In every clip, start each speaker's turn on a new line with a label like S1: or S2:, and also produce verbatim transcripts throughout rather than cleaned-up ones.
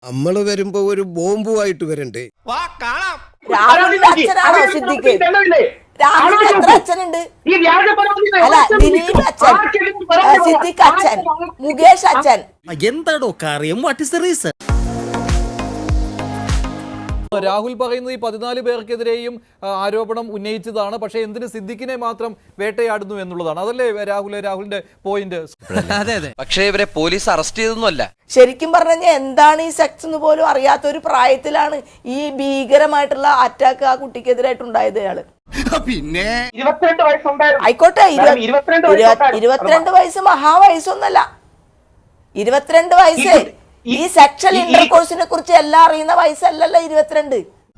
S1: നമ്മള് വരുമ്പോ ഒരു ബോംബുമായിട്ട് വരണ്ടേ?
S2: രാഹുലിന്റെ അച്ഛനാണോ സിദ്ദിഖ്? രാഹുലിന് എത്ര അച്ഛനുണ്ട്? അല്ല, ദിലീപ് അച്ഛൻ, സിദ്ദിഖ് അച്ഛൻ, മുകേഷ് അച്ഛൻ.
S3: എന്താടോ കാര്യം? What is the reason?
S4: Rahul പറയുന്നത് ഈ പതിനാല് പേർക്കെതിരെയും ആരോപണം ഉന്നയിച്ചതാണ്. പക്ഷെ എന്തിന് സിദ്ദിഖിനെ മാത്രം വേട്ടയാടുന്നു എന്നുള്ളതാണ്. അതല്ലേ രാഹുൽ രാഹുലിന്റെ പോയിന്റ്?
S3: അതെ അതെ. പക്ഷേ ഇവരെ പോലീസ് അറസ്റ്റ് ചെയ്തൊന്നുമല്ല.
S2: ശരിക്കും പറഞ്ഞു എന്താണ് ഈ സെക്സ് എന്ന് പോലും അറിയാത്ത ഒരു പ്രായത്തിലാണ് ഈ ഭീകരമായിട്ടുള്ള അറ്റാക്ക് ആ കുട്ടിക്കെതിരായിട്ടുണ്ടായത്. അയാള്
S5: പിന്നെ
S2: ആയിക്കോട്ടെ, ഇരുപത്തിരണ്ട് വയസ്സ് മഹാവയസ്സൊന്നല്ല. ഇരുപത്തിരണ്ട് വയസ്സ് ഈ സെക്ഷൽ ഇന്റർകോഴ്സിനെ കുറിച്ച് എല്ലാം അറിയുന്ന വയസ്സല്ലല്ലോ ഇരുപത്തിരണ്ട്.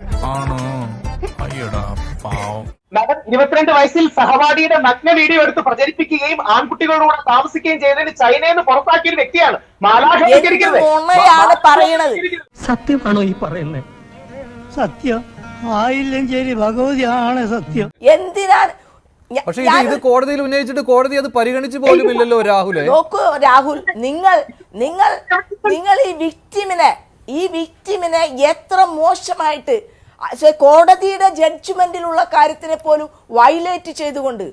S6: ഇരുപത്തിരണ്ട് വയസ്സിൽ സഹപാഠിയുടെ നഗ്ന വീഡിയോ എടുത്ത് പ്രചരിപ്പിക്കുകയും ആൺകുട്ടികളോട് താമസിക്കുകയും ചെയ്തതിന് ചൈനയിൽ നിന്ന് പുറത്താക്കിയ ഒരു വ്യക്തിയാണ്.
S2: ാണ് പറയണത്.
S7: സത്യമാണോ ഈ പറയുന്നത്? സത്യം ആയില്ലെങ്കിൽ ഭഗവതിയാണ് സത്യം.
S2: എന്തിനാണ്?
S4: പക്ഷേ ഇത് ഇത് കോടതിയിൽ ഉന്നയിച്ചിട്ട് കോടതി അത് പരിഗണിച്ചു പോലും ഇല്ലല്ലോ രാഹുൽ.
S2: നോക്കൂ രാഹുൽ, നിങ്ങൾ നിങ്ങൾ നിങ്ങൾ ഈ വിക്ടിമിനെ ഈ വിക്ടിമിനെ എത്ര മോശമായിട്ട് കോടതിയുടെ ജഡ്ജ്മെന്റിലുള്ള കാര്യത്തിനെ പോലും വയലേറ്റ് ചെയ്തുകൊണ്ട്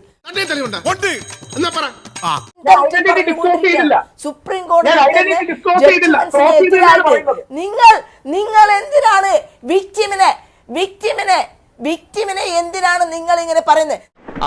S2: സുപ്രീം കോടതിയെതിരായിട്ട് നിങ്ങൾ നിങ്ങൾ എന്തിനാണ് വിക്ടിമിനെ വിക്ടിമിനെ വിക്ടിമിനെ എന്തിനാണ് നിങ്ങൾ ഇങ്ങനെ പറയുന്നത്?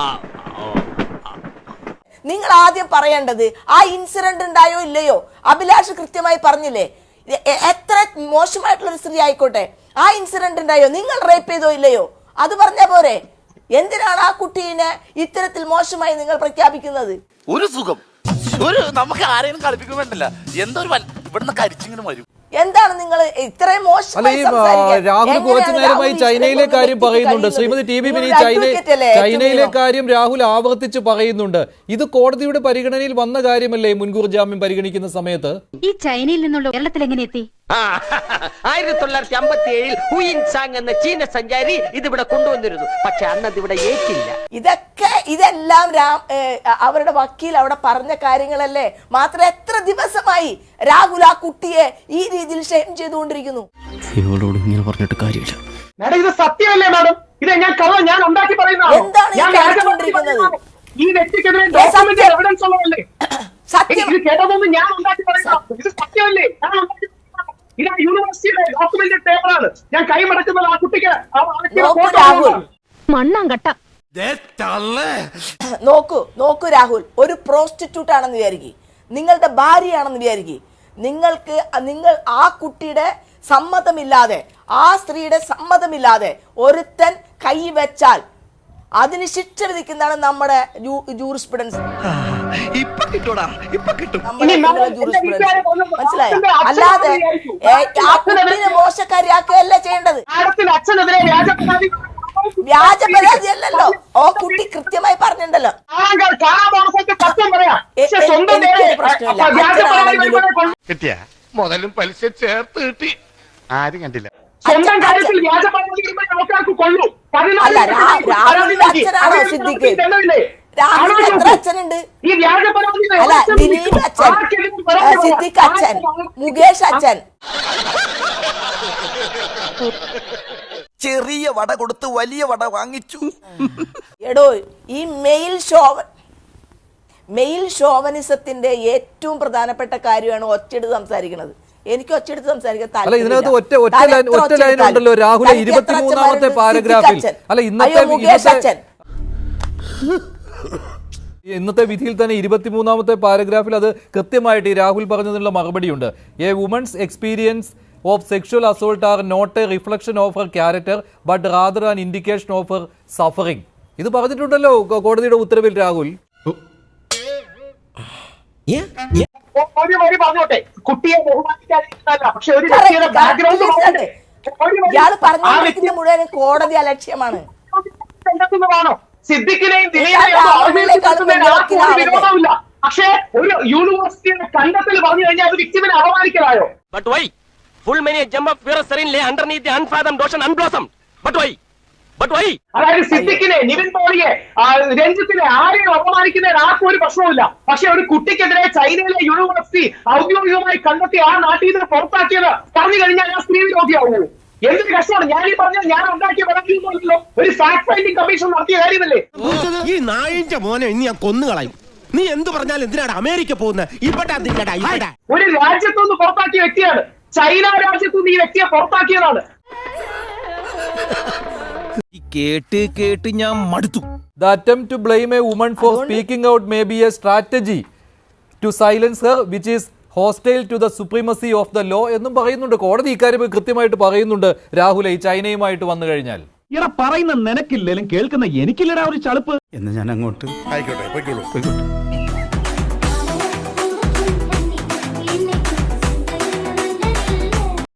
S2: നിങ്ങൾ ആദ്യം പറയേണ്ടത് ആ ഇൻസിഡന്റ് ഉണ്ടായോ ഇല്ലയോ. അഭിലാഷ് കൃത്യമായി പറഞ്ഞില്ലേ, എത്ര മോശമായിട്ടുള്ള ഒരു സ്ത്രീ ആയിക്കോട്ടെ, ആ ഇൻസിഡന്റ് ഉണ്ടായോ, നിങ്ങൾ റേപ്പ് ചെയ്തോ ഇല്ലയോ, അത് പറഞ്ഞ പോരെ. എന്തിനാണ് ആ കുട്ടീനെ ഇത്തരത്തിൽ മോശമായി നിങ്ങൾ പ്രഖ്യാപിക്കുന്നത്?
S5: ഒരു സുഖം ഒരു നമുക്ക് ആരെയും കളിപ്പിക്കുമെന്നല്ല, എന്തോ ഒരു ഇവിടുന്ന് കരിച്ചിങ്ങനെ വരും.
S2: എന്താണ് നിങ്ങൾ ഇത്രയും മോശം?
S4: രാഹുൽ കുറച്ചു നേരമായി ചൈനയിലെ കാര്യം പറയുന്നുണ്ട്. Shrimati T B Mini, China ചൈനയിലെ കാര്യം രാഹുൽ ആവർത്തിച്ച് പറയുന്നുണ്ട്. ഇത് കോടതിയുടെ പരിഗണനയിൽ വന്ന കാര്യമല്ലേ മുൻകൂർ ജാമ്യം പരിഗണിക്കുന്ന സമയത്ത്?
S8: ഈ ചൈനയിൽ നിന്നുള്ള കേരളത്തിൽ എങ്ങനെ എത്തി?
S7: ആയിരത്തി തൊള്ളായിരത്തി അമ്പത്തി ഏഴിൽ ഹുയിൻ സാങ് എന്ന ചീന സഞ്ചാരി ഇതിവിടെ കൊണ്ടുവന്നിരുന്നു. പക്ഷെ അന്നത് ഇവിടെ ഏറ്റില്ല.
S2: ഇതൊക്കെ ഇതെല്ലാം രാം അവരുടെ വക്കീൽ അവിടെ പറഞ്ഞ കാര്യങ്ങളല്ലേ. മാത്രം എത്ര ദിവസമായി രാഹുൽ ആ കുട്ടിയെ ഈ രീതിയിൽ ഷെയിം ചെയ്തുകൊണ്ടിരിക്കുന്നു?
S3: ഇവളോട് ഇങ്ങനെ പറഞ്ഞിട്ട് കാര്യമില്ല.
S6: മാഡം ഇത് സത്യമല്ലേ മാഡം? ഇത് ഞാൻ കള്ള ഞാൻ ഉണ്ടാക്കി പറയുന്നതാണ്.
S2: എന്താണ് ഈ കാണിച്ചുകൊണ്ടിരിക്കുന്നത്?
S6: ഈ വ്യക്തിക്കെതിരെ ഡോക്യുമെന്റ് എവിഡൻസ് ഉള്ളതല്ലേ?
S2: സത്യം
S6: ഇത് കേട്ടതൊന്നും ഞാൻ ഉണ്ടാക്കി പറയുന്നതാണ്. ഇത് സത്യമല്ലേ? ഞാൻ ഉണ്ടാക്കി ഇത് യൂണിവേഴ്സിറ്റിയുടെ ഡോക്യുമെന്റ് പേപ്പറാണ്. ഞാൻ കൈമടക്കുന്നത് ആ കുട്ടിക്ക്
S8: മണ്ണാങ്കട്ട.
S2: നോക്കൂ നോക്കൂ രാഹുൽ, ഒരു പ്രോസ്റ്റിറ്റ്യൂട്ട് ആണെന്ന് വിചാരിക്കും, നിങ്ങളുടെ ഭാര്യയാണെന്ന് വിചാരിക്കും, നിങ്ങൾക്ക് നിങ്ങൾ ആ കുട്ടിയുടെ സമ്മതമില്ലാതെ ആ സ്ത്രീയുടെ സമ്മതമില്ലാതെ ഒരുത്തൻ കൈവച്ചാൽ അതിന് ശിക്ഷ വിധിക്കുന്നതാണ് നമ്മുടെ ജൂറിസ്പ്രുഡൻസ്. മനസ്സിലായോ? അല്ലാതെ ആ കുട്ടിനെ മോശക്കാരിയാക്കുകയല്ല ചെയ്യേണ്ടത്. വ്യാജ പരാതി അല്ലല്ലോ. ഓ കുട്ടി കൃത്യമായി പറഞ്ഞിട്ടുണ്ടല്ലോ. എനിക്കൊരു പ്രശ്നമില്ല.
S5: കിട്ടിയ മുതലും പലിശ ചേർത്ത് കിട്ടി. ആരും കണ്ടില്ല.
S2: അല്ല, രാഹുലിന്റെ അച്ഛനാണോ സിദ്ദിഖ്? രാഹുലിന് എത്ര അച്ഛനുണ്ട്? അല്ല, ദിലീപ് അച്ഛൻ, സിദ്ദിഖ് അച്ഛൻ, മുകേഷ് അച്ഛൻ.
S3: ചെറിയ വട കൊടുത്ത് വലിയ വട വാങ്ങിച്ചു.
S2: എടോ, ഈ മെയിൽ ഷോവ മെയിൽ ഷോവനിസത്തിന്റെ ഏറ്റവും പ്രധാനപ്പെട്ട കാര്യമാണ് ഒറ്റയെടുത്ത് സംസാരിക്കുന്നത്. എനിക്ക് ഒറ്റയെടുത്ത് സംസാരിക്കാൻ
S4: ഇതിനകത്ത് ഒറ്റ ഒറ്റ ലൈൻ ഒറ്റ ലൈൻ ഉണ്ടല്ലോ രാഹുലെ ഇരുപത്തിമൂന്നാമത്തെ പാരഗ്രാഫിൽ. അല്ല ഇന്നത്തെ ഇന്നത്തെ വിധിയിൽ തന്നെ ഇരുപത്തിമൂന്നാമത്തെ പാരഗ്രാഫിൽ അത് കൃത്യമായിട്ട് ഈ രാഹുൽ പറഞ്ഞതിനുള്ള മറുപടിയുണ്ട്. A woman's experience of sexual assault are not a reflection of her character but rather an indication of her suffering. ഇത് പറഞ്ഞിട്ടുണ്ടല്ലോ കോടതിയുടെ ഉത്തരവിൽ രാഹുൽ.
S6: ഒരു വരി പറഞ്ഞോട്ടെ, കുട്ടിയെ ബഹുമാനിക്കാതിരിക്കുന്നതല്ല, പക്ഷെ ഒരു വ്യക്തിയുടെ ബാക്ക്ഗ്രൗണ്ട്
S2: ഇയാള് പറഞ്ഞ മുഴുവൻ കോടതി അലക്ഷ്യമാണ്.
S6: സിദ്ദിഖിനെയും ദിലീപിനെയും വിരോധമില്ല, പക്ഷേ ഒരു യൂണിവേഴ്സിറ്റിയുടെ കണ്ടെത്തൽ പറഞ്ഞു കഴിഞ്ഞാൽ അത് വിക്ടിമിനെ അപമാനിക്കലായോ?
S7: But why? Full many jump up where serene lay underneath the unfathomed ocean unblossomed. But why?
S6: അതായത് സിദ്ദിഖിനെ, നിവിൻ പോളിയെ, ആ, രഞ്ജിത്തിനെ ആരെയും അപമാനിക്കുന്നതിന് ആർക്കും ഒരു പ്രശ്നവുമില്ല. പക്ഷെ ഒരു കുട്ടിക്കെതിരെ ചൈനയിലെ യൂണിവേഴ്സിറ്റി ഔദ്യോഗികമായി കണ്ടെത്തി ആ നാട്ടിൽ നിന്ന് പുറത്താക്കിയത് പറഞ്ഞു കഴിഞ്ഞാൽ ആ സ്ത്രീ വിരോധിയാവുമോ? എന്തൊരു കഷ്ടമാണ്. ഞാൻ ഈ പറഞ്ഞ ഞാൻ ഉണ്ടാക്കിയ പരാതിയൊന്നുമല്ലോ, ഒരു ഫാക്ട് ഫൈൻഡിംഗ് കമ്മീഷൻ നടത്തിയ കാര്യമല്ലേ.
S1: ഈ നായിന്റെ മോനെ ഇനി ഞാൻ കൊന്നുകളയും. നീ എന്ത് പറഞ്ഞാലും എന്തിനാണ് അമേരിക്ക പോകുന്നത്? ഇവിടെ ഇവിടെ
S6: ഒരു രാജ്യത്തുനിന്ന് പുറത്താക്കിയ വ്യക്തിയാണ്, ചൈന രാജ്യത്തുനിന്ന് ഈ വ്യക്തിയെ പുറത്താക്കിയതാണ്.
S1: കേട്ട് കേട്ട് ഞാൻ മടുത്തു.
S4: The attempt to blame a woman for speaking out may be a strategy to silence her, which is hostile to the supremacy of the law എന്നും പറയുന്നുണ്ട്. കോടതി ഇക്കാര്യം കൃത്യമായിട്ട് പറയുന്നുണ്ട്. രാഹുൽ ഈ ചൈനയുമായിട്ട് വന്നു കഴിഞ്ഞാൽ
S9: ഇറ പറയുന്ന നിനക്കില്ലേലും കേൾക്കുന്ന എനിക്കില്ലടാ ഒരു ചളുപ്പ്
S1: എന്ന് ഞാൻ അങ്ങോട്ട് ആയിക്കോട്ടെ പോയിക്കോളൂ പോയിക്കോട്ടെ